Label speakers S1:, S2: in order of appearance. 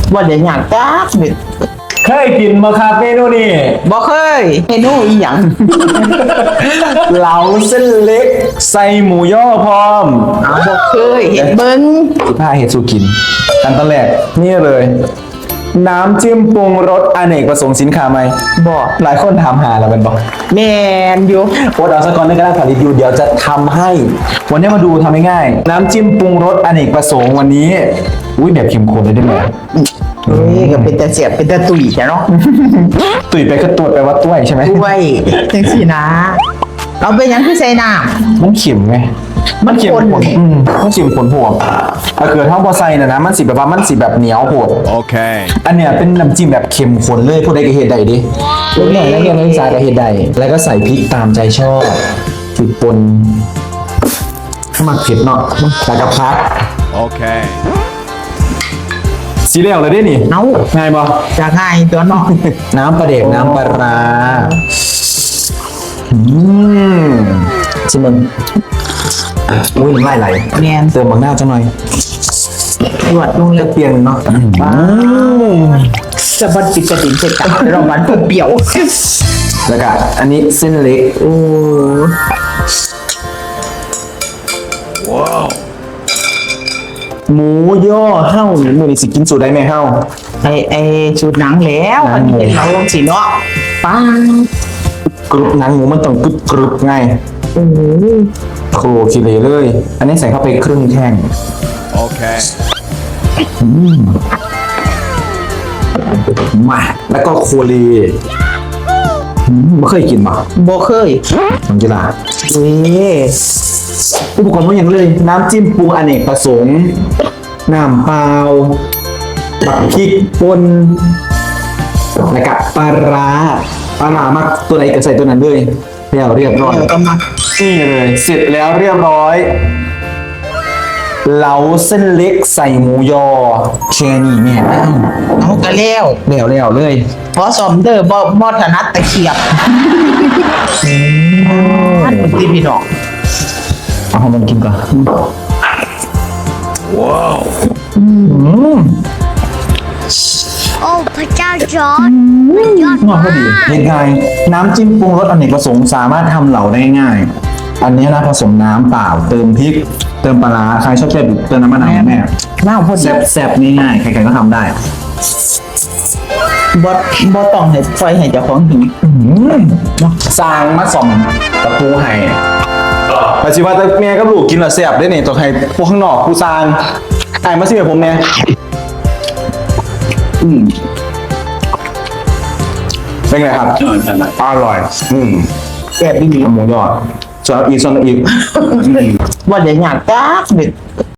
S1: บ่ได้อยากจักเด็ด
S2: เคยกินมาครับเมนูนี้
S1: บ่เคยเมนูอีหยัง
S2: เหลาเส้นเล็กใส่หมูย่อพร้อม
S1: เอาบ่เคยเห็นเบิ่ง
S2: ผ้าเห็ดสูกินอันตอนแรกนี่เลย น้ำจิ้มปรุงรสอเนกประสงค์สินค้าไหม
S1: บ่
S2: หลายคนถามหาแล้วเป็นบอก
S1: แม่นอยู่
S2: โอ๊ตเอาสกอนในกระดาษผลิตอยู่เดี๋ยวจะทำให้ วันนี้มาดูทำง่ายๆน้ำจิ้มปรุงรสอเนกประสงค์วันนี้อุ้ยแบบเข้มข้นเลยได้ไหม
S1: เฮ้ยก็เป็นตาเสียบเป็นตาตุ๋ยจ้ะเนาะ
S2: ตุ๋ยไปก็ตรวจไปว่าต้วยใช่ไหม
S1: ด้วยจังซี่นะเอาไปหยังคือใส่น้ำ
S2: มันเข็มไง
S1: มันข้น
S2: มันเข็มข้นโหดถ้าเกิดท่าพอใส่นะมันสิแบบว่ามันสิแบบเหนียวโหด
S3: Okay.
S2: อันเนี้ยเป็นน้ำจิ้มแบบเค็มข้นเลยพวกใดก็เฮ็ดได้ดิลูกหน่อยแล้วเนี่ยนักศึกษาก็เฮ็ดได้แล้วก็ใส่พริกตามใจชอบพริกป่นถ้ามันเผ็ดเนาะแล้วก็พัก
S3: Okay.
S2: สีเหลวเลยดินี่
S1: เอา
S2: ง่ายบ่
S1: จะง่ายตัวเนาะ
S2: น้ำปลาเด็กน้ำปลาร้าชิมมันอุ้ยน้ำลายไหล
S1: แม่น
S2: เติมบางหน้าจังหน่อย
S1: ตรวจลงเลย
S2: เปลี่ยนเนาะ
S1: จะบ่ติดกระดิ่งใส่กันเรามันเปรี้ยว
S2: แล้วก็อันนี้เส้นเล็ก
S1: โอ้
S2: หมูย่อเฮ้านี่มือนี่สิกินสูตรได้ไหมเฮ้า
S1: ไอ้สูตรหนังแล้วอันนี้เป็นเราลงสีเนาะป้าก
S2: รุบหนังหมูมันต้องกรุบไง
S1: โอ้
S2: โครคิเลเลย อันนี้ใส่เข้าไปครึ่งแท่ง
S3: Okay.
S2: มาแล้วก็โคเลไม่เคยกินป่ะ
S1: บ่เคย
S2: น้องกีฬา
S1: เว้ย
S2: อุปกรณ์พวกอย่างเลย น้ำจิ้มปรุงอเนกประสงค์น้ำเปล่าบักพริกป่นแล้วก็ปลาร้ามักตัวไหนก็ใส่ตัวนั้นเลยแล้วเรียบร้อย
S1: เดี๋ยวก็มา
S2: นี่เลยเสร็จแล้วเรียบร้อยเหลาเส้นเล็กใส่หมูยอแค่นี้แม่ง
S1: เอาก็แล้ว
S2: แล้วเลย
S1: พอสมเด้อบ่ถนัดตะเขียบอันเป็นที่พี่น้อง
S2: เอาให้มันกินก่อน
S4: โอ้พระเจ้าจอร์ดมันยอด
S2: งอ
S4: มา
S2: พอดี
S4: ก
S2: เห็นไงน้ำจิ้มปรุงรสอเนกประสงค์สามารถทำเหลาได้ง่าย อันนี้นะผสมน้ำเปล่าเติมพริก เติมปลาร้าใครชอบเผ็ดเติมน้ำมะนาวแม่
S1: น้าพอดี
S2: แซ่บๆง่ายๆใครๆก็ทำได้
S1: บ่ต้องให้ไฟให้เจ้าของหิว
S2: สร้างมาส่อมตะปูให้ปัจจุบันแต่แม่กับลูกกินและแซ่บได้เนี่ยตัวใครพวกข้างนอกผู้สร้างไอ้มาสิแบบผมเนี่ยเป็นไงครับอร่อย
S1: แซ่บอีหลี
S2: หมูยอดส่วนอีก
S1: บ่ได้อยากจักเด็ด